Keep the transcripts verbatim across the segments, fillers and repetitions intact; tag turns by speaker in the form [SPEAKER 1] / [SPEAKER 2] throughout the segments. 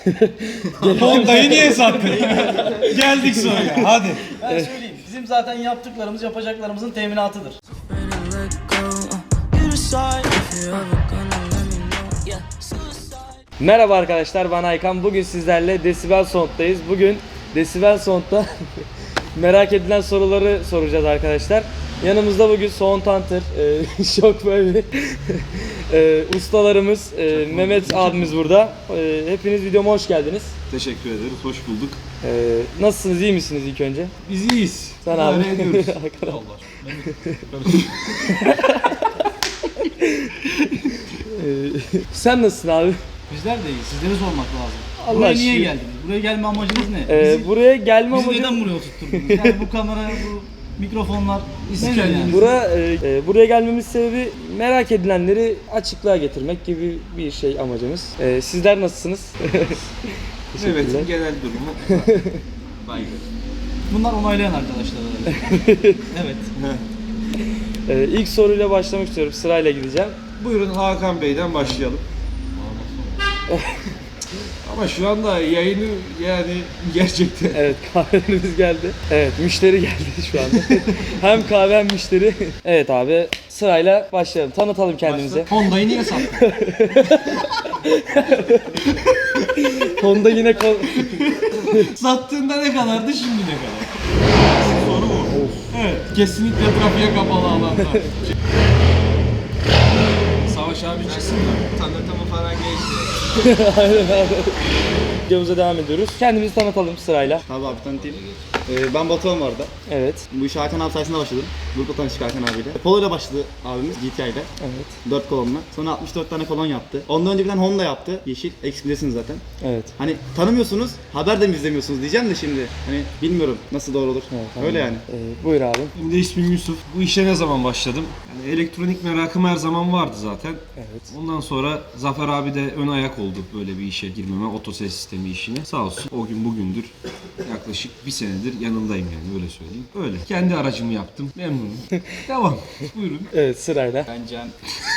[SPEAKER 1] Honda'yı niye sattın? Geldik soruya hadi.
[SPEAKER 2] Ben söyleyeyim. Bizim zaten yaptıklarımız yapacaklarımızın teminatıdır.
[SPEAKER 3] Merhaba arkadaşlar, ben Aykan. Bugün sizlerle Decibel Sound'dayız. Bugün Decibel Sound'da merak edilen soruları soracağız arkadaşlar. Yanımızda bugün Sound Hunter, e, Shockwave e, ustalarımız, e, Mehmet abimiz burada. E, hepiniz videoma hoş geldiniz.
[SPEAKER 1] Teşekkür ederiz, hoş bulduk.
[SPEAKER 3] E, nasılsınız, iyi misiniz ilk önce?
[SPEAKER 1] Biz iyiyiz.
[SPEAKER 3] Sen abi.
[SPEAKER 1] Ne ediyoruz?
[SPEAKER 3] Allah. e, sen nasılsın abi?
[SPEAKER 2] Bizler de iyiyiz. Sizleri sormak lazım.
[SPEAKER 3] Allah
[SPEAKER 2] Buraya
[SPEAKER 3] aşkına.
[SPEAKER 2] niye geldiniz? Buraya gelme amacınız ne?
[SPEAKER 3] E,
[SPEAKER 2] Bizi,
[SPEAKER 3] buraya gelme
[SPEAKER 2] bizi
[SPEAKER 3] amacım...
[SPEAKER 2] neden buraya oturtturdunuz? Yani bu kamera, bu mikrofonlar nedir yani?
[SPEAKER 3] Bura, e, e, buraya gelmemiz sebebi merak edilenleri açıklığa getirmek gibi bir şey amacımız. E, sizler nasılsınız?
[SPEAKER 1] Evet, genel durumu baygın.
[SPEAKER 2] Bunlar onaylayan arkadaşlar. Evet.
[SPEAKER 3] e, ilk soruyla başlamak istiyorum. Sırayla gideceğim.
[SPEAKER 1] Buyurun Hakan Bey'den başlayalım. Ama şu anda yayını yani gerçekten
[SPEAKER 3] Evet, kahvelerimiz geldi. Evet, müşteri geldi şu anda. Hem kahve hem müşteri. Evet abi, sırayla başlayalım. Tanıtalım kendimizi.
[SPEAKER 2] Honda'yı niye sattın?
[SPEAKER 3] Honda yine kol...
[SPEAKER 2] Sattığında ne kadardı, şimdi ne kadar? Soru bu. Evet, kesinlikle trafiğe kapalı alanda. Savaş abi çıksın da.
[SPEAKER 1] tanıtımı falan geçti.
[SPEAKER 3] Aynen abi. Videomuza devam ediyoruz. Kendimizi tanıtalım sırayla.
[SPEAKER 4] Tabii abi tanıtayım. Ee, ben Batuhan vardı.
[SPEAKER 3] Evet.
[SPEAKER 4] Bu işe Hakan abi sayesinde başladım. Grupla tanıştık Hakan abiyle. Polo ile başladı abimiz G T I ile.
[SPEAKER 3] Evet.
[SPEAKER 4] dört kolonla. Sonra altmış dört tane kolon yaptı. Ondan önce bir tane Honda yaptı. Yeşil. Eksplesiniz zaten.
[SPEAKER 3] Evet.
[SPEAKER 4] Hani tanımıyorsunuz, haber de mi izlemiyorsunuz diyeceğim de şimdi. Hani bilmiyorum nasıl doğru olur.
[SPEAKER 3] Evet,
[SPEAKER 4] Öyle yani.
[SPEAKER 3] Ee, buyur abi.
[SPEAKER 1] Benim de ismim Yusuf. Bu işe ne zaman başladım? Yani elektronik merakım her zaman vardı zaten.
[SPEAKER 3] Evet.
[SPEAKER 1] Ondan sonra Zafer abi de ön ayak oldu böyle bir işe girmeme, otoses sistemi işine. Sağ olsun o gün bugündür yaklaşık bir senedir yanındayım yani öyle söyleyeyim. Öyle. Kendi aracımı yaptım. Memnunum. Devam. Buyurun.
[SPEAKER 3] Evet, sırayla.
[SPEAKER 4] Ben Can.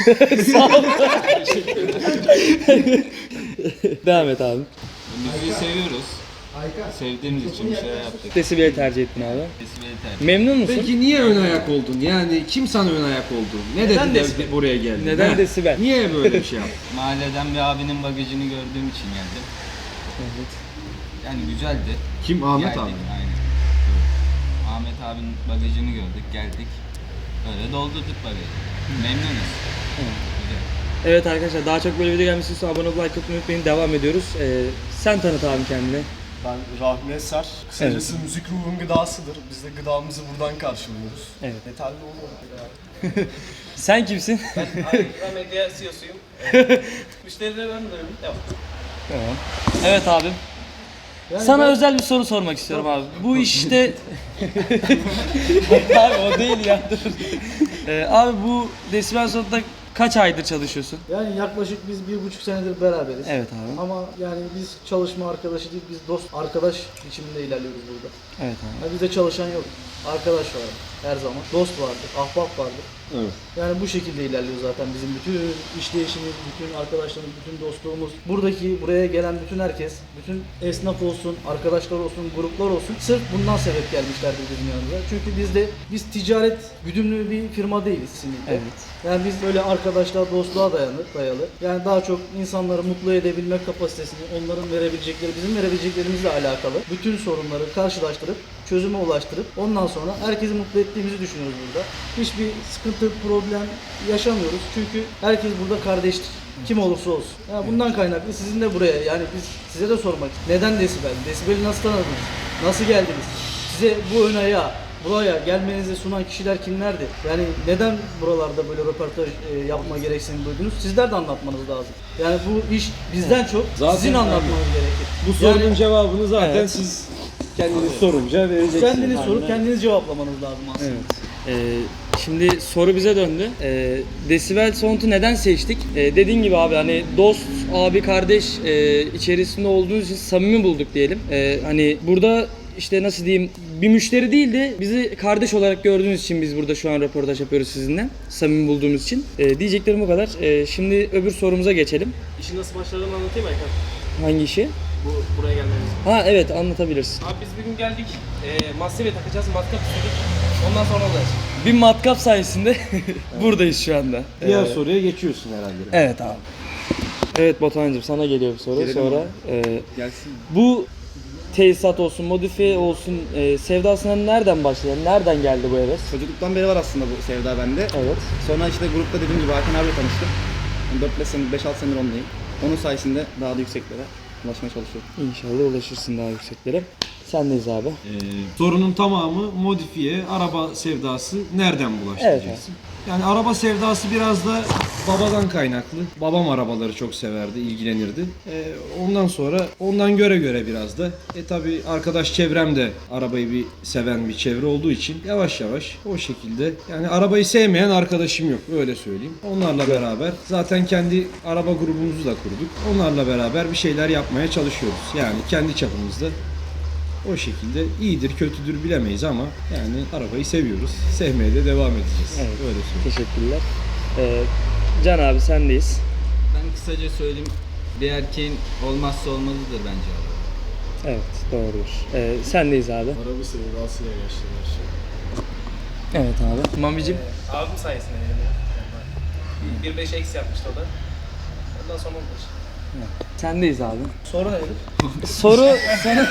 [SPEAKER 3] Devam et abi.
[SPEAKER 5] Müziği seviyoruz. Sevdiğimiz için bir şeyler yaptık.
[SPEAKER 3] Desibel'i tercih ettin abi.
[SPEAKER 5] Desibeli tercih.
[SPEAKER 3] Memnun musun?
[SPEAKER 1] Peki niye ön ayak oldun? Yani kim sana ön ayak oldu? Ne
[SPEAKER 2] Neden
[SPEAKER 1] dedi de
[SPEAKER 2] desibel?
[SPEAKER 1] buraya geldin?
[SPEAKER 3] Neden
[SPEAKER 1] He?
[SPEAKER 3] desibel?
[SPEAKER 1] Niye böyle bir şey yaptın?
[SPEAKER 5] Mahalleden bir abinin bagajını gördüğüm için geldim.
[SPEAKER 3] Evet.
[SPEAKER 5] Yani güzeldi.
[SPEAKER 1] Kim? Ahmet
[SPEAKER 5] Geldik,
[SPEAKER 1] abi.
[SPEAKER 5] Aynen. Evet. Ahmet abinin bagajını gördük, geldik. Öyle doldurduk bagajı. Memnunuz. Güzel.
[SPEAKER 3] Evet arkadaşlar, daha çok böyle video gelmesi için abone olup like atmayı unutmayın. Devam ediyoruz. Ee, sen tanıt abi kendini.
[SPEAKER 6] Ben Rahmi Eser. Kısacası müzik ruhun gıdasıdır. Biz de gıdamızı buradan karşılıyoruz.
[SPEAKER 3] Evet.
[SPEAKER 6] Yeterli olur mu?
[SPEAKER 3] Sen kimsin?
[SPEAKER 2] Ben medya C E O'suyum. Müşterilere ben de devam.
[SPEAKER 3] Tamam. Evet abim. Sana özel bir soru sormak istiyorum abi. Bu işte... abi o değil ya, dur. Ee, abi bu Decibel Sound'da kaç aydır çalışıyorsun?
[SPEAKER 7] Yani yaklaşık biz bir buçuk senedir beraberiz.
[SPEAKER 3] Evet abi.
[SPEAKER 7] Ama yani biz çalışma arkadaşı değil, biz dost arkadaş biçiminde ilerliyoruz burada.
[SPEAKER 3] Evet abi.
[SPEAKER 7] Yani bizde çalışan yok, arkadaş var her zaman. Dost vardır, ahbap vardır.
[SPEAKER 1] Evet.
[SPEAKER 7] Yani bu şekilde ilerliyor zaten bizim bütün işleyişimiz, bütün arkadaşlarımız, bütün dostluğumuz. Buradaki, buraya gelen bütün herkes, bütün esnaf olsun, arkadaşlar olsun, gruplar olsun. Sırf bundan sebep gelmişlerdir bizim yanımıza. Çünkü biz de, biz ticaret güdümlü bir firma değiliz kesinlikle.
[SPEAKER 3] Evet.
[SPEAKER 7] Yani biz böyle arkadaşlar, dostluğa dayanır, dayalı. Yani daha çok insanları mutlu edebilmek kapasitesini, onların verebilecekleri, bizim verebileceklerimizle alakalı bütün sorunları karşılaştırıp, çözüme ulaştırıp ondan sonra herkesi mutlu ettiğimizi düşünüyoruz burada. Hiçbir sıkıntı, problem yaşamıyoruz. Çünkü herkes burada kardeştir. Kim olursa olsun. Yani bundan kaynaklı sizin de buraya, yani biz size de sormak. Neden Desibel? Desibel'i nasıl tanıdınız? Nasıl geldiniz? Size bu ön ayağı, buraya gelmenizi sunan kişiler kimlerdi? Yani neden buralarda böyle röportaj e, yapma gereksinimi duydunuz? Sizler de anlatmanız lazım. Yani bu iş bizden çok
[SPEAKER 1] Zaten
[SPEAKER 7] sizin
[SPEAKER 1] abi,
[SPEAKER 7] anlatmanız gerekir.
[SPEAKER 1] Bu sorunun
[SPEAKER 7] Yani-
[SPEAKER 1] cevabını zaten
[SPEAKER 3] Evet.
[SPEAKER 1] siz kendiniz sorunca vereceksiniz.
[SPEAKER 7] Kendiniz sorup kendiniz cevaplamanız lazım aslında.
[SPEAKER 3] Evet. Ee, şimdi soru bize döndü. Ee, Decibel Sound'u neden seçtik? Ee, dediğin gibi abi, hani dost, abi, kardeş e, içerisinde olduğunuz için samimi bulduk diyelim. Ee, hani burada işte nasıl diyeyim, bir müşteri değil de bizi kardeş olarak gördüğünüz için biz burada şu an röportaj yapıyoruz sizinle. Samimi bulduğumuz için. Ee, diyeceklerim bu kadar. Ee, şimdi öbür sorumuza geçelim.
[SPEAKER 2] İşin nasıl başladığını anlatayım Aykan.
[SPEAKER 3] Hangi işi?
[SPEAKER 8] bu buraya gelmemiz.
[SPEAKER 3] Ha evet, anlatabilirsin.
[SPEAKER 8] Abi biz bugün geldik. E, Massive takacağız. Matkap istedik. Ondan sonra olacağız.
[SPEAKER 3] Bir matkap sayesinde buradayız şu anda.
[SPEAKER 1] Diğer
[SPEAKER 3] Ee,
[SPEAKER 1] soruya geçiyorsun herhalde.
[SPEAKER 3] Evet abi. Evet Batuhan'cığım, sana geliyor bir soru.
[SPEAKER 4] Gelelim
[SPEAKER 3] Sonra e,
[SPEAKER 4] Gelsin.
[SPEAKER 3] bu tesisat olsun, modifiye olsun e, sevdasına nereden başladı? Nereden geldi bu heves?
[SPEAKER 4] Çocukluktan beri var aslında bu sevda bende.
[SPEAKER 3] Evet.
[SPEAKER 4] Sonra işte grupta dediğim gibi Hakan abiyle tanıştım. dört beş senedir, beş altı senedir ondayım. Onun sayesinde daha da yükseklere ulaşmaya çalışıyorum.
[SPEAKER 3] İnşallah ulaşırsın daha yükseklere. Sendeyiz abi.
[SPEAKER 1] Ee, sorunun tamamı modifiye, araba sevdası nereden bulaştı
[SPEAKER 3] Evet,
[SPEAKER 1] diyeceksin. Yani araba sevdası biraz da babadan kaynaklı. Babam arabaları çok severdi, ilgilenirdi. Ee, ondan sonra ondan göre göre biraz da. E tabi arkadaş çevrem de arabayı bir seven bir çevre olduğu için yavaş yavaş o şekilde. Yani arabayı sevmeyen arkadaşım yok, öyle söyleyeyim. Onlarla beraber zaten kendi araba grubumuzu da kurduk. Onlarla beraber bir şeyler yapmaya çalışıyoruz. Yani kendi çapımızda. O şekilde iyidir, kötüdür bilemeyiz ama yani arabayı seviyoruz. Sevmeye de devam edeceğiz.
[SPEAKER 3] Evet.
[SPEAKER 1] Öyle söyleyeyim.
[SPEAKER 3] Teşekkürler. Ee, Can abi sendeyiz.
[SPEAKER 5] Ben kısaca söyleyeyim. Bir erkeğin olmazsa olmazıdır bence araba.
[SPEAKER 3] Evet, doğrudur. Ee, sendeyiz abi.
[SPEAKER 6] Araba sevdasıyla yaşlı her şey.
[SPEAKER 3] Evet abi. Mamicim.
[SPEAKER 8] Abim sayesinde yani. bir beş eksi yapmıştı o da. Ondan sonra oldu.
[SPEAKER 3] Sendeyiz abi.
[SPEAKER 7] Soru nedir?
[SPEAKER 3] Soru sana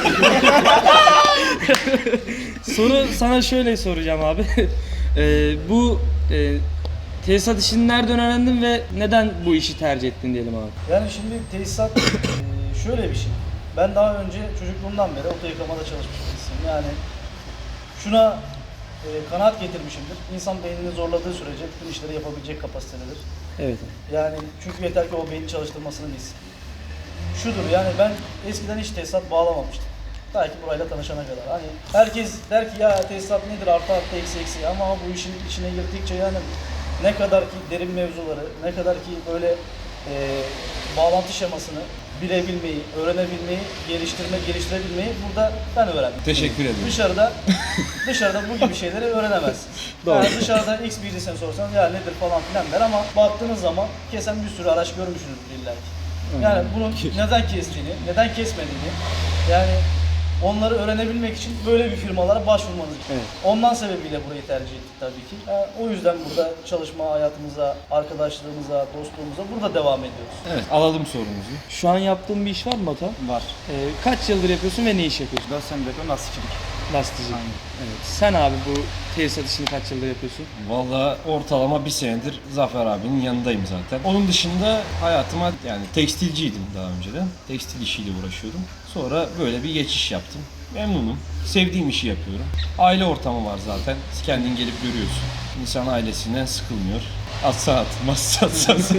[SPEAKER 3] Soru sana şöyle soracağım abi. Ee, bu e, tesisat işini nereden öğrendin ve neden bu işi tercih ettin diyelim abi.
[SPEAKER 7] Yani şimdi tesisat eee, şöyle bir şey. Ben daha önce çocukluğumdan beri oto yıkamada çalışmış birisiyim. Yani şuna eee, kanaat getirmişimdir. İnsan beynini zorladığı sürece bütün işleri yapabilecek kapasitededir.
[SPEAKER 3] Evet.
[SPEAKER 7] Yani çünkü yeter ki o beyni çalıştırmasını bilsin. Şudur yani ben eskiden hiç tesisat bağlamamıştım. Ta ki burayla tanışana kadar. Hani herkes der ki ya tesisat nedir artı artı eksi eksi ama bu işin içine girdikçe yani ne kadar ki derin mevzuları, ne kadar ki böyle e, bağlantı şemasını bilebilmeyi, öğrenebilmeyi, geliştirme, geliştirebilmeyi burada ben öğrendim.
[SPEAKER 1] Teşekkür ederim.
[SPEAKER 7] Dışarıda dışarıda bu gibi şeyleri öğrenemezsin. Yani dışarıda X birisine sorsan ya nedir falan filan der ama baktığınız zaman kesen bir sürü araç görmüşsünüzdür illa ki. Yani bunun neden kestiğini, neden kesmediğini yani onları öğrenebilmek için böyle bir firmalara başvurmanız gerekiyor.
[SPEAKER 3] Evet.
[SPEAKER 7] Ondan sebebiyle burayı tercih ettik tabii ki. Yani o yüzden burada çalışma hayatımıza, arkadaşlığımıza, dostluğumuza burada devam ediyoruz.
[SPEAKER 1] Evet, alalım sorumuzu.
[SPEAKER 3] Şu an yaptığın bir iş var mı Batuhan?
[SPEAKER 4] Var.
[SPEAKER 3] Ee, kaç yıldır yapıyorsun ve ne iş yapıyorsun?
[SPEAKER 4] dört senedir yapıyorum lastikçilik.
[SPEAKER 3] Lastikçi. Evet. Sen abi bu tesisat işini kaç yıldır yapıyorsun?
[SPEAKER 1] Vallahi ortalama bir senedir Zafer abinin yanındayım zaten. Onun dışında hayatıma yani tekstilciydim daha önceden. Tekstil işiyle uğraşıyordum. Sonra böyle bir geçiş yaptım. Memnunum. Sevdiğim işi yapıyorum. Aile ortamı var zaten. Kendin gelip görüyorsun. İnsan ailesinden sıkılmıyor. Atsa atmaz, atsa atmaz.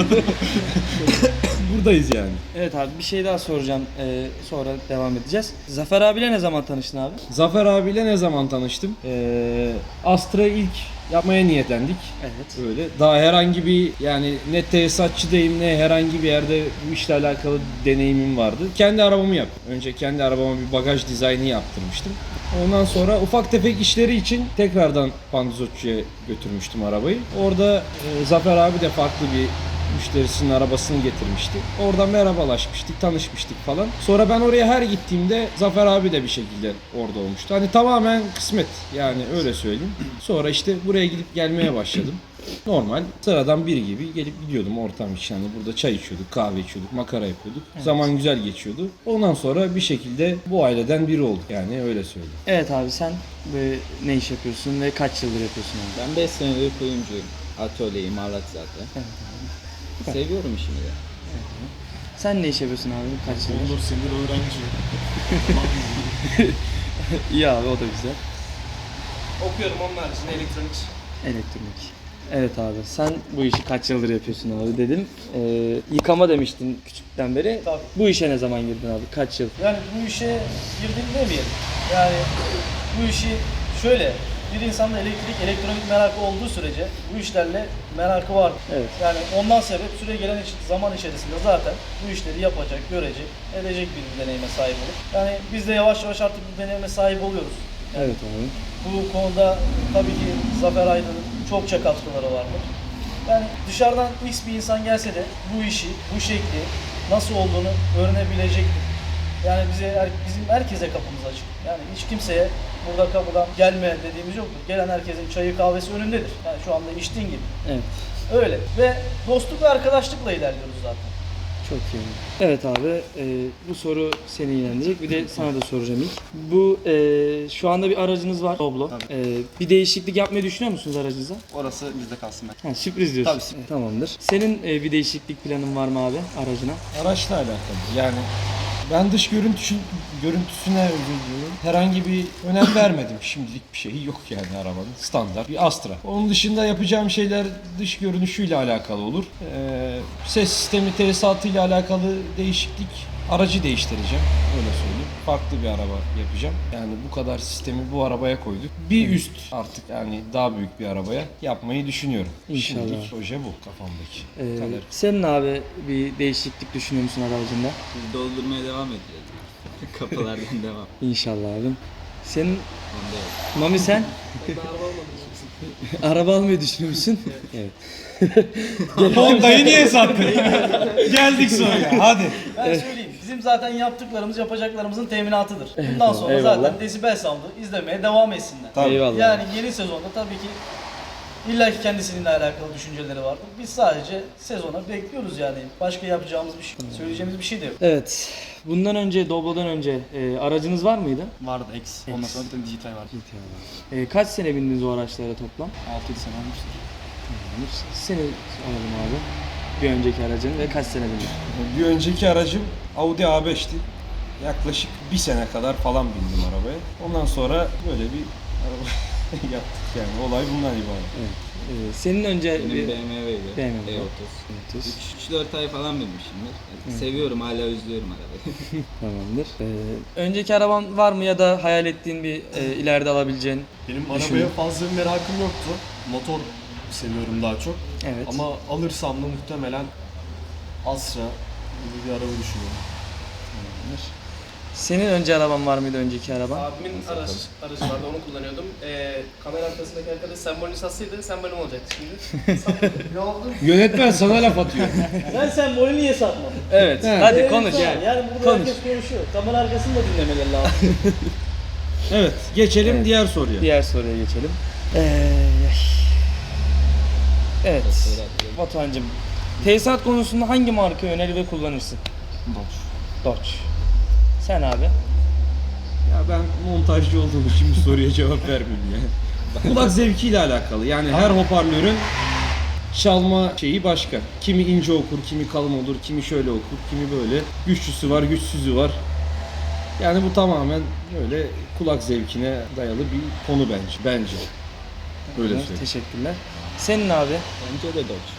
[SPEAKER 1] Buradayız yani.
[SPEAKER 3] Evet abi, bir şey daha soracağım. Ee, sonra devam edeceğiz. Zafer abiyle ne zaman tanıştın abi?
[SPEAKER 1] Zafer abiyle ne zaman tanıştım? Ee, Astra ilk yapmaya niyetlendik.
[SPEAKER 3] Evet.
[SPEAKER 1] Öyle. Daha herhangi bir yani ne tesisatçıdayım ne herhangi bir yerde bu işle alakalı deneyimim vardı. Kendi arabamı yaptım. Önce kendi arabama bir bagaj dizaynı yaptırmıştım. Ondan sonra ufak tefek işleri için tekrardan pandizotçuya götürmüştüm arabayı. Orada e, Zafer abi de farklı bir müşterisinin arabasını getirmişti. Oradan merhabalaşmıştık, tanışmıştık falan. Sonra ben oraya her gittiğimde Zafer abi de bir şekilde orada olmuştu. Hani tamamen kısmet yani öyle söyleyeyim. Sonra işte buraya gidip gelmeye başladım. Normal sıradan biri gibi gelip gidiyordum ortam için. Hani burada çay içiyorduk, kahve içiyorduk, makara yapıyorduk. Zaman güzel geçiyordu. Ondan sonra bir şekilde bu aileden biri olduk yani öyle söyleyeyim.
[SPEAKER 3] Evet abi, sen böyle ne iş yapıyorsun ve kaç yıldır yapıyorsun abi?
[SPEAKER 5] Ben beş senedir kuyumcuyum. Atölye, imalat zaten.
[SPEAKER 3] Evet
[SPEAKER 5] Seviyorum işimi de.
[SPEAKER 3] Sen ne iş yapıyorsun abi? Kaç yıldır?
[SPEAKER 6] on dört senedir öğrenci.
[SPEAKER 3] İyi abi, o da güzel.
[SPEAKER 8] Okuyorum onun haricinde elektronik.
[SPEAKER 3] Elektronik. Evet abi, sen bu işi kaç yıldır yapıyorsun abi dedim. Ee, yıkama demiştin küçükten beri.
[SPEAKER 7] Tabii.
[SPEAKER 3] Bu işe ne zaman girdin abi? Kaç yıl?
[SPEAKER 7] Yani bu işe girdim demeyelim. Yani bu işi şöyle, bir insanda elektrik, elektronik merakı olduğu sürece bu işlerle merakı var.
[SPEAKER 3] Evet.
[SPEAKER 7] Yani ondan sebep süre gelen iç- zaman içerisinde zaten bu işleri yapacak, görecek, edecek bir deneyime sahip olur. Yani biz de yavaş yavaş artık bu deneyime sahip oluyoruz.
[SPEAKER 3] Evet abi.
[SPEAKER 7] Bu konuda tabii ki Zafer Aydın'ın çokça katkıları vardır. Yani dışarıdan X bir insan gelse de bu işi, bu şekli nasıl olduğunu öğrenebilecektir. Yani bize her- bizim herkese kapımız açık. Yani hiç kimseye burada kapıdan gelme dediğimiz yoktur. Gelen herkesin çayı kahvesi önündedir. Yani şu anda içtiğin gibi.
[SPEAKER 3] Evet.
[SPEAKER 7] Öyle. Ve dostluk ve arkadaşlıkla ilerliyoruz zaten.
[SPEAKER 3] Çok iyi. Evet abi, e, bu soru seni ilgilendirecek. Bir de sana da soracağım ilk. Bu e, şu anda bir aracınız var, Doblo.
[SPEAKER 4] Tabii.
[SPEAKER 3] E, bir değişiklik yapmayı düşünüyor musunuz aracınıza?
[SPEAKER 4] Orası bizde kalsın ben.
[SPEAKER 3] Ha, sürpriz diyorsun.
[SPEAKER 4] Tabii, sürpriz.
[SPEAKER 3] E, tamamdır. Senin e, bir değişiklik planın var mı abi aracına?
[SPEAKER 1] Araçla alakalı. Yani ben dış görüntüsü, görüntüsüne özür diliyorum. Herhangi bir önem vermedim. Şimdilik bir şey yok yani arabanın. Standart bir Astra. Onun dışında yapacağım şeyler dış görünüşüyle alakalı olur. Ee, ses sistemi tesisatıyla alakalı değişiklik. Aracı değiştireceğim. Öyle söyleyeyim. Farklı bir araba yapacağım. Yani bu kadar sistemi bu arabaya koyduk. Bir üst artık yani daha büyük bir arabaya yapmayı düşünüyorum.
[SPEAKER 3] İnşallah.
[SPEAKER 1] Şimdilik proje bu kafamdaki.
[SPEAKER 3] E,
[SPEAKER 1] Kadar.
[SPEAKER 3] senin abi bir değişiklik düşünüyor musun aracında?
[SPEAKER 5] Biz doldurmaya devam ediyoruz. Kapılardan devam.
[SPEAKER 3] İnşallah abim. Senin
[SPEAKER 5] Onda yok.
[SPEAKER 3] Mami sen? Araba almayı düşünüyor musun? Evet.
[SPEAKER 1] Honda'yı niye sattın? Geldik sonra. Hadi.
[SPEAKER 7] Ben söyleyeyim. Bizim zaten yaptıklarımız yapacaklarımızın teminatıdır. Bundan sonra
[SPEAKER 3] Eyvallah.
[SPEAKER 7] zaten Desibel Sound'u izlemeye devam etsinler.
[SPEAKER 1] Tabii.
[SPEAKER 3] Eyvallah.
[SPEAKER 7] Yani yeni sezonda tabii ki illa ki kendisininle alakalı düşünceleri vardır. Biz sadece sezona bekliyoruz yani. Başka yapacağımız bir şey, söyleyeceğimiz bir şey de yok.
[SPEAKER 3] Evet. Bundan önce, Doblo'dan önce e, aracınız var mıydı?
[SPEAKER 4] Vardı X. Ondan sonra bir tane dijital vardı.
[SPEAKER 3] E, kaç sene bindiniz o araçlara toplam?
[SPEAKER 4] altı yedi sene olmuştur.
[SPEAKER 3] Seni alalım abi. Bir önceki aracın ve kaç sene bindin?
[SPEAKER 1] Bir önceki aracım Audi A beş'ti. Yaklaşık bir sene kadar falan bindim arabaya. Ondan sonra böyle bir araba yaptık yani. Olay bundan ibaret.
[SPEAKER 3] Evet. E, senin önce
[SPEAKER 5] Benim
[SPEAKER 3] bir
[SPEAKER 5] B M W'ydi.
[SPEAKER 3] B M W.
[SPEAKER 5] E otuz.
[SPEAKER 3] otuz.
[SPEAKER 5] üç dört ay falan binmişimdir. Yani seviyorum, hala özlüyorum arabayı.
[SPEAKER 3] Tamamdır. E, önceki araban var mı ya da hayal ettiğin bir e, ileride alabileceğin?
[SPEAKER 6] Benim
[SPEAKER 3] Düşünün.
[SPEAKER 6] arabaya fazla bir merakım yoktu. Motor seviyorum daha çok.
[SPEAKER 3] Evet.
[SPEAKER 6] Ama alırsam da muhtemelen Astra gibi bir araba düşünüyorum.
[SPEAKER 3] Senin önce araban var mıydı, önceki araban?
[SPEAKER 8] Abimin araç, aracı vardı, onu kullanıyordum. Ee, kamera arkasındaki arkadaş sembolünü satsaydı sembolüm olacaktı şimdi. ne oldu?
[SPEAKER 1] Yönetmen sana laf atıyor.
[SPEAKER 7] Sen sembolü niye satmadın?
[SPEAKER 3] Evet. Hadi
[SPEAKER 7] Evet,
[SPEAKER 3] konuş.
[SPEAKER 7] tamam. Yani burada
[SPEAKER 3] Konuş.
[SPEAKER 7] herkes konuşuyor. Kamera arkasını da dinlemeleri lazım.
[SPEAKER 1] Evet, geçelim diğer soruya.
[SPEAKER 3] Diğer soruya geçelim. Ee, evet. Batuhan'cığım, tesisat konusunda hangi marka önerir ve kullanırsın?
[SPEAKER 4] Dodge.
[SPEAKER 3] Dodge. Sen abi?
[SPEAKER 1] Ya ben montajcı olduğum için bu soruya cevap vermeyeyim ya. Kulak zevkiyle alakalı. Yani her hoparlörün çalma şeyi başka. Kimi ince okur, kimi kalın olur, kimi şöyle okur, kimi böyle. Güçlüsü var, güçsüzü var. Yani bu tamamen böyle kulak zevkine dayalı bir konu bence. Bence. Öyle
[SPEAKER 3] Evet,
[SPEAKER 1] söyleyeyim.
[SPEAKER 3] teşekkürler. Senin abi?
[SPEAKER 5] Bence de Dodge.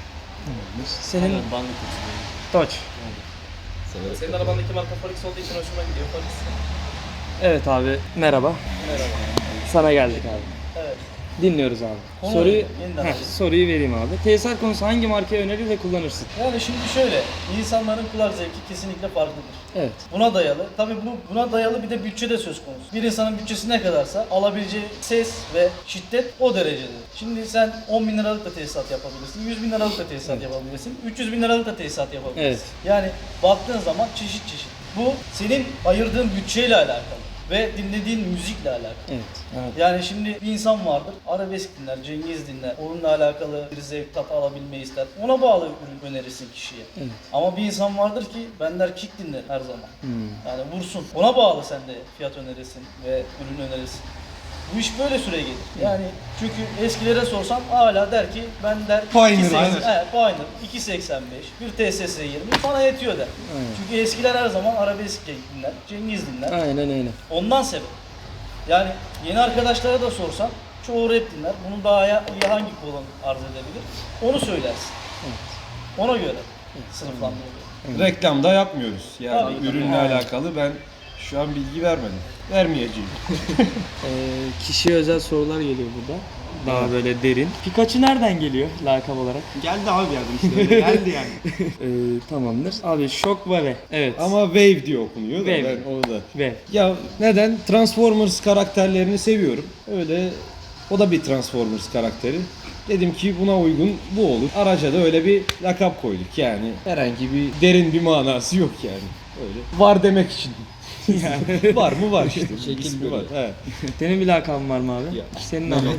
[SPEAKER 3] Senin
[SPEAKER 6] Ben de katılıyorum.
[SPEAKER 3] Dodge.
[SPEAKER 5] Severek
[SPEAKER 8] Senin arabandaki marka Forex olduğu için hoşuma gidiyor. Forex.
[SPEAKER 3] Evet abi, merhaba.
[SPEAKER 8] Merhaba.
[SPEAKER 3] Sana geldik abi.
[SPEAKER 7] Evet.
[SPEAKER 3] Dinliyoruz abi.
[SPEAKER 7] Konu
[SPEAKER 3] Soruyu,
[SPEAKER 7] öyle, yeniden
[SPEAKER 3] Heh,
[SPEAKER 7] alayım.
[SPEAKER 3] soruyu vereyim abi. Tesisat konusu hangi markayı önerir ve kullanırsın?
[SPEAKER 7] Yani şimdi şöyle, insanların kulak zevki kesinlikle farklıdır.
[SPEAKER 3] Evet.
[SPEAKER 7] Buna dayalı, tabii bu buna dayalı bir de bütçe de söz konusu. Bir insanın bütçesi ne kadarsa alabileceği ses ve şiddet o derecedir. Şimdi sen on bin liralık da tesisat yapabilirsin, yüz bin liralık da tesisat yapabilirsin, üç yüz bin liralık da tesisat yapabilirsin.
[SPEAKER 3] Evet.
[SPEAKER 7] Yani baktığın zaman çeşit çeşit. Bu senin ayırdığın bütçeyle alakalı ve dinlediğin müzikle alakalı.
[SPEAKER 3] Evet. Evet.
[SPEAKER 7] Yani şimdi bir insan vardır, arabesk dinler, Cengiz dinler, onunla alakalı bir zevk tat alabilmeyi ister. Ona bağlı ürün önerirsin kişiye.
[SPEAKER 3] Evet.
[SPEAKER 7] Ama bir insan vardır ki ben der kick dinler her zaman.
[SPEAKER 3] Hmm.
[SPEAKER 7] Yani vursun. Ona bağlı sen de fiyat önerirsin ve ürün önerirsin. Bu iş böyle süre gelir. Yani çünkü eskilere sorsan hala der ki ben der
[SPEAKER 1] Pioneer,
[SPEAKER 7] iki seksen
[SPEAKER 1] aynen.
[SPEAKER 7] evet, Pioneer iki seksen beş, bir T S S yirmi sana yetiyor der.
[SPEAKER 3] Aynen.
[SPEAKER 7] Çünkü eskiler her zaman arabesk dinler, Cengiz dinler.
[SPEAKER 3] Aynen öyle.
[SPEAKER 7] Ondan sebep. Yani yeni arkadaşlara da sorsan çoğu rap dinler. Bunun daha iyi hangi kolon arz edebilir? Onu söylersin. Ona göre sınıflandırılıyor.
[SPEAKER 1] Reklam da yapmıyoruz. Yani
[SPEAKER 7] Tabii, tabii.
[SPEAKER 1] ürünle
[SPEAKER 3] Aynen.
[SPEAKER 1] alakalı ben şu an bilgi vermedim. Vermeyeceğim.
[SPEAKER 3] Ee, kişiye özel sorular geliyor burada. Daha böyle derin. Pikachu nereden geliyor lakap olarak?
[SPEAKER 4] Geldi abi yardım işte öyle geldi yani.
[SPEAKER 3] Ee, tamamdır. Abi Shockwave. Evet.
[SPEAKER 1] Ama Wave diye okunuyor da
[SPEAKER 3] Wave.
[SPEAKER 1] ben onu da.
[SPEAKER 3] Ve
[SPEAKER 1] Ya neden? Transformers karakterlerini seviyorum. Öyle o da bir Transformers karakteri. Dedim ki buna uygun bu olur. Araca da öyle bir lakap koyduk yani. Herhangi bir derin bir manası yok yani. Öyle. Var demek için. Yani. Var mı var işte. İsmi var. Evet.
[SPEAKER 3] Senin bir lakabın var mı abi? Senin abi.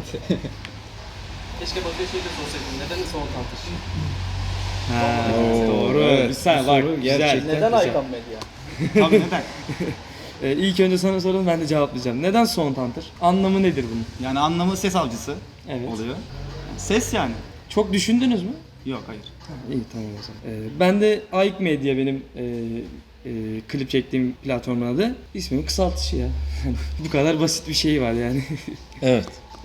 [SPEAKER 8] Keşke Batu'ya şey de sorsaydım. Neden son Hunter?
[SPEAKER 3] Ha,
[SPEAKER 1] Oo,
[SPEAKER 3] doğru.
[SPEAKER 1] evet.
[SPEAKER 3] Bir saniye
[SPEAKER 1] Bu
[SPEAKER 3] bak
[SPEAKER 1] soru
[SPEAKER 3] güzel.
[SPEAKER 1] gerçekten-
[SPEAKER 7] Neden
[SPEAKER 1] güzel.
[SPEAKER 7] Aykan Medya?
[SPEAKER 4] Tabii neden?
[SPEAKER 3] Ee, ilk önce sana soralım ben de cevaplayacağım. Neden Sound Hunter? Anlamı nedir bunun?
[SPEAKER 4] Yani anlamı ses avcısı
[SPEAKER 3] Evet.
[SPEAKER 4] oluyor. Ses yani.
[SPEAKER 3] Çok düşündünüz mü?
[SPEAKER 4] Yok hayır.
[SPEAKER 3] İyi tamam o zaman. Ee, ben de Ayk Medya benim e, e, klip çektiğim platformun adı. İsmimin kısaltışı ya. Bu kadar basit bir şey var yani.
[SPEAKER 1] Evet.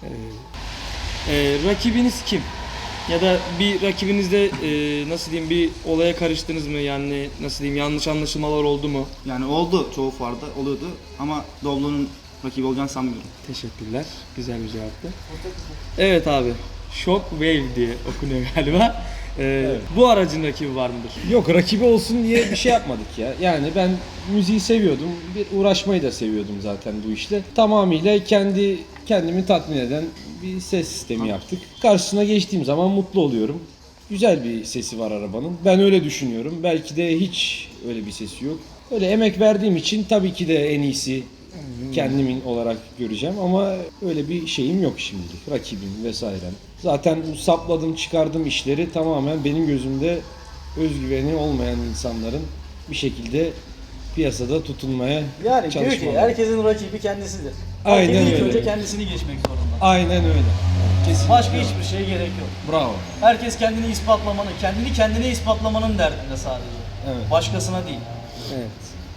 [SPEAKER 3] Ee, rakibiniz kim? Ya da bir rakibinizde e, nasıl diyeyim bir olaya karıştınız mı? Yani nasıl diyeyim yanlış anlaşılmalar oldu mu?
[SPEAKER 4] Yani oldu çoğu fuarda oluyordu ama Doblo'nun rakibi olacağını sanmıyorum.
[SPEAKER 3] Teşekkürler. Güzel bir cevaptı. Evet abi. Shockwave diye okunuyor galiba. Ee, Bu aracın rakibi var mıdır?
[SPEAKER 1] Yok rakibi olsun diye bir şey yapmadık ya. Yani ben müziği seviyordum. Bir uğraşmayı da seviyordum zaten bu işle. Tamamıyla kendi kendimi tatmin eden bir ses sistemi yaptık. Karşısına geçtiğim zaman mutlu oluyorum. Güzel bir sesi var arabanın. Ben öyle düşünüyorum. Belki de hiç öyle bir sesi yok. Öyle emek verdiğim için tabii ki de en iyisi kendimin olarak göreceğim ama öyle bir şeyim yok şimdilik. Rakibim vesairem. Zaten bu sapladım çıkardığım işleri tamamen benim gözümde özgüveni olmayan insanların bir şekilde piyasada tutunmaya
[SPEAKER 7] Yani diyor ki
[SPEAKER 1] çalışmaları.
[SPEAKER 7] herkesin rakibi kendisidir.
[SPEAKER 1] Aynen
[SPEAKER 7] Herkesin ilk
[SPEAKER 1] öyle.
[SPEAKER 7] önce kendisini geçmek zorunda.
[SPEAKER 1] Aynen öyle. Kesinlikle.
[SPEAKER 7] Başka hiçbir şeye gerek yok.
[SPEAKER 1] Bravo.
[SPEAKER 7] Herkes kendini ispatlamanın, kendini kendine ispatlamanın derdinde sadece.
[SPEAKER 1] Evet.
[SPEAKER 7] Başkasına değil.
[SPEAKER 3] Evet.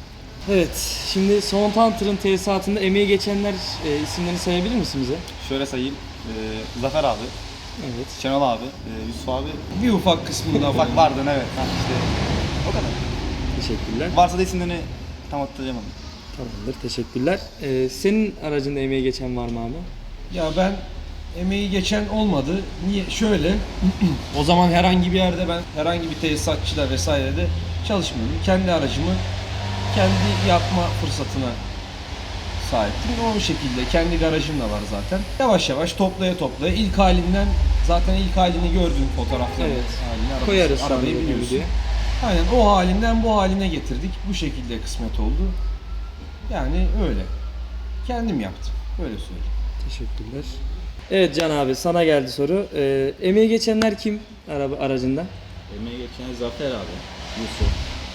[SPEAKER 3] Evet. Şimdi Sound Hunter'ın tesisatında emeği geçenler e, isimlerini sayabilir misin bize?
[SPEAKER 4] Şöyle sayayım. Ee, Zafer abi,
[SPEAKER 3] Evet.
[SPEAKER 4] Şenol abi, e, Yusuf abi.
[SPEAKER 1] Bir ufak kısmında
[SPEAKER 4] Ufak vardı evet. Ha, işte o kadar.
[SPEAKER 3] Teşekkürler.
[SPEAKER 4] Varsa da isimlerini tam hatırlayamadım.
[SPEAKER 3] Tamamdır. Teşekkürler. Ee, senin aracında emeği geçen var mı abi?
[SPEAKER 1] Ya ben emeği geçen olmadı. Niye? Şöyle. O zaman herhangi bir yerde ben herhangi bir tesisatçıyla vesairede çalışmıyordum. Kendi aracımı kendi yapma fırsatına sahiptim. O şekilde kendi garajım da var zaten. Yavaş yavaş toplaya toplaya ilk halinden zaten ilk halini gördüğün fotoğrafları
[SPEAKER 3] Evet.
[SPEAKER 1] halini arabası-
[SPEAKER 3] Koyarız
[SPEAKER 1] arabayı
[SPEAKER 3] sonra
[SPEAKER 1] biliyorsun.
[SPEAKER 3] videoya.
[SPEAKER 1] Aynen o halinden bu haline getirdik. Bu şekilde kısmet oldu. Yani öyle. Kendim yaptım. Öyle söyleyeyim.
[SPEAKER 3] Teşekkürler. Evet Can abi sana geldi soru. Ee, emeği geçenler kim araba aracında?
[SPEAKER 5] Emeğe geçen Zafer abi. Yusuf.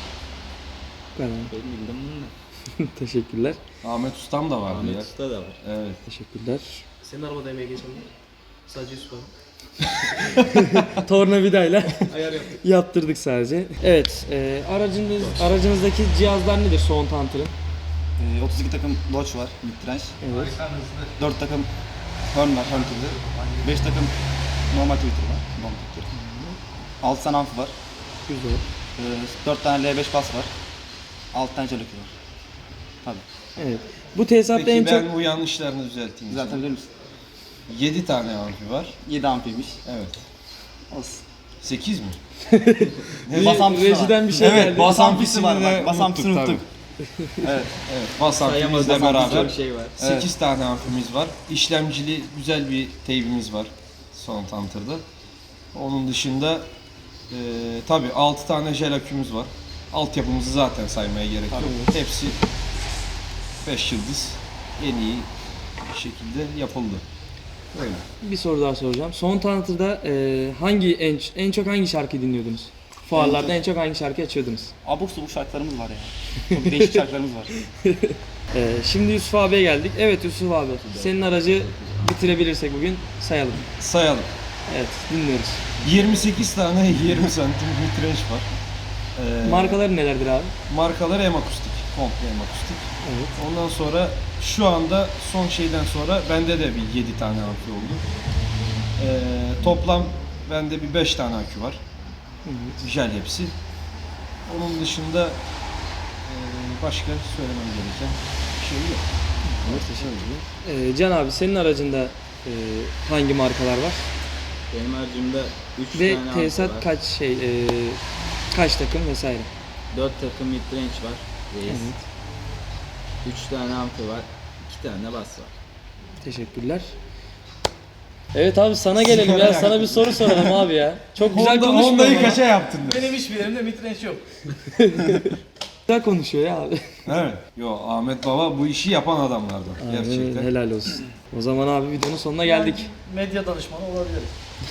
[SPEAKER 3] Ben.
[SPEAKER 5] Benim bildim bunu da.
[SPEAKER 3] Teşekkürler.
[SPEAKER 1] Ahmet Ustam da vardı
[SPEAKER 5] Ahmet
[SPEAKER 1] ya.
[SPEAKER 5] Usta da var.
[SPEAKER 1] Evet.
[SPEAKER 3] Teşekkürler.
[SPEAKER 8] Senin arabada emeğe geçen mi? Sadece Yusuf abi.
[SPEAKER 3] Tornavidayla
[SPEAKER 8] Ayar yaptık.
[SPEAKER 3] yaptırdık sadece. Evet, e, aracınız aracınızdaki cihazlar nedir Sound Hunter'ın?
[SPEAKER 4] Ee, otuz iki takım Dodge var, mid-range.
[SPEAKER 3] Evet.
[SPEAKER 4] dört takım Horn var, Horn Twitter. beş takım normal Twitter var, normal Twitter. altı tane amfi var.
[SPEAKER 3] Güzel.
[SPEAKER 4] Ee, dört tane L beş bas var. altı tane Jalokü var. Tabii.
[SPEAKER 3] Evet. Bu tesisatta
[SPEAKER 1] Peki
[SPEAKER 3] en
[SPEAKER 1] ben
[SPEAKER 3] çok
[SPEAKER 1] bu yanlışlarını düzelteyim.
[SPEAKER 4] Zaten bilir misin?
[SPEAKER 1] yedi tane amfi var.
[SPEAKER 4] yedi ampiymiş.
[SPEAKER 1] Evet.
[SPEAKER 4] Olsun.
[SPEAKER 1] sekiz mi?
[SPEAKER 4] Bas ampisi var.
[SPEAKER 3] rejiden bir şey
[SPEAKER 4] Evet,
[SPEAKER 3] geldi.
[SPEAKER 4] bas ampisi
[SPEAKER 1] amfisini
[SPEAKER 4] var
[SPEAKER 1] de
[SPEAKER 4] bak. Bas ampisini
[SPEAKER 1] unuttuk
[SPEAKER 4] unuttuk. Evet.
[SPEAKER 1] Evet. Bas amfimizle
[SPEAKER 4] Bas
[SPEAKER 1] beraber
[SPEAKER 4] ampisi
[SPEAKER 5] Bir şey var.
[SPEAKER 1] sekiz tane amfimiz var. İşlemcili güzel bir teybimiz var Sound Hunter'da. Onun dışında e, tabii altı tane jel akümüz var. Altyapımızı zaten saymaya gerek yok. Hepsi beş yıldız en iyi bir şekilde yapıldı. Öyle.
[SPEAKER 3] Bir soru daha soracağım. Sound Hunter'da e, hangi en, en çok hangi şarkıyı dinliyordunuz? Fuarlarda en çok hangi şarkı açıyordunuz?
[SPEAKER 4] Abuk subuk şarkılarımız var ya. Çok değişik şarkılarımız var.
[SPEAKER 3] E, şimdi Yusuf abiye geldik. Evet Yusuf abi, senin aracı bitirebilirsek bugün sayalım.
[SPEAKER 1] Sayalım.
[SPEAKER 3] Evet, dinliyoruz.
[SPEAKER 1] yirmi sekiz tane yirmi santim midrange var. Ee,
[SPEAKER 3] Markaları nelerdir abi?
[SPEAKER 1] Markaları hem akustik. Komple hem akustik.
[SPEAKER 3] Evet.
[SPEAKER 1] Ondan sonra şu anda son şeyden sonra bende de bir yedi tane amfi oldu. Ee, toplam bende bir beş tane akü var. Jel hepsi. Onun dışında e, başka söylemem gereken bir şey yok.
[SPEAKER 3] E, Can abi senin aracında e, hangi markalar var?
[SPEAKER 5] Benim harcımda üç
[SPEAKER 3] Ve
[SPEAKER 5] tane amfi
[SPEAKER 3] tesisat
[SPEAKER 5] var.
[SPEAKER 3] kaç şey e, kaç takım vesaire?
[SPEAKER 5] dört takım midrange var. Reis.
[SPEAKER 3] Evet.
[SPEAKER 5] üç tane amfi var. iki tane bas var.
[SPEAKER 3] Teşekkürler. Evet abi sana gelelim ya. Sana bir soru soralım abi ya. Çok güzel konuşma.
[SPEAKER 1] Honda'yı
[SPEAKER 3] ama.
[SPEAKER 1] kaça yaptın?
[SPEAKER 7] Benim hiçbirimde midrange yok.
[SPEAKER 3] Güzel konuşuyor ya abi.
[SPEAKER 1] Evet. Yo Ahmet Baba bu işi yapan adamlardan. Gerçekten.
[SPEAKER 3] Helal olsun. O zaman abi videonun sonuna geldik.
[SPEAKER 7] Medya danışmanı olabilirim.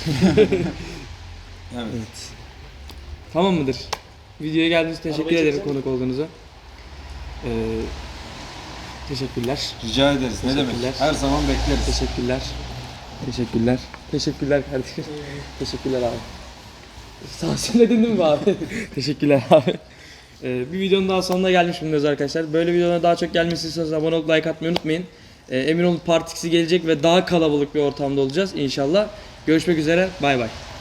[SPEAKER 1] Evet.
[SPEAKER 3] Tamam mıdır? Videoya geldiğiniz için teşekkür
[SPEAKER 7] Arabayı
[SPEAKER 3] ederim
[SPEAKER 7] çeksene.
[SPEAKER 3] konuk olduğunuza. Ee, teşekkürler.
[SPEAKER 1] Rica ederiz. Ne demek?
[SPEAKER 3] Teşekkürler.
[SPEAKER 1] Her zaman bekleriz.
[SPEAKER 3] Teşekkürler. Teşekkürler. Teşekkürler kardeşim. Teşekkürler abi. Sağ söyledin değil mi abi? Teşekkürler abi. Ee, bir videonun daha sonuna gelmiş bulunuyoruz arkadaşlar. Böyle videolara daha çok gelmesini istiyorsanız abone olup like atmayı unutmayın. Ee, emin olun Part X'i gelecek ve daha kalabalık bir ortamda olacağız inşallah. Görüşmek üzere. Bay bay.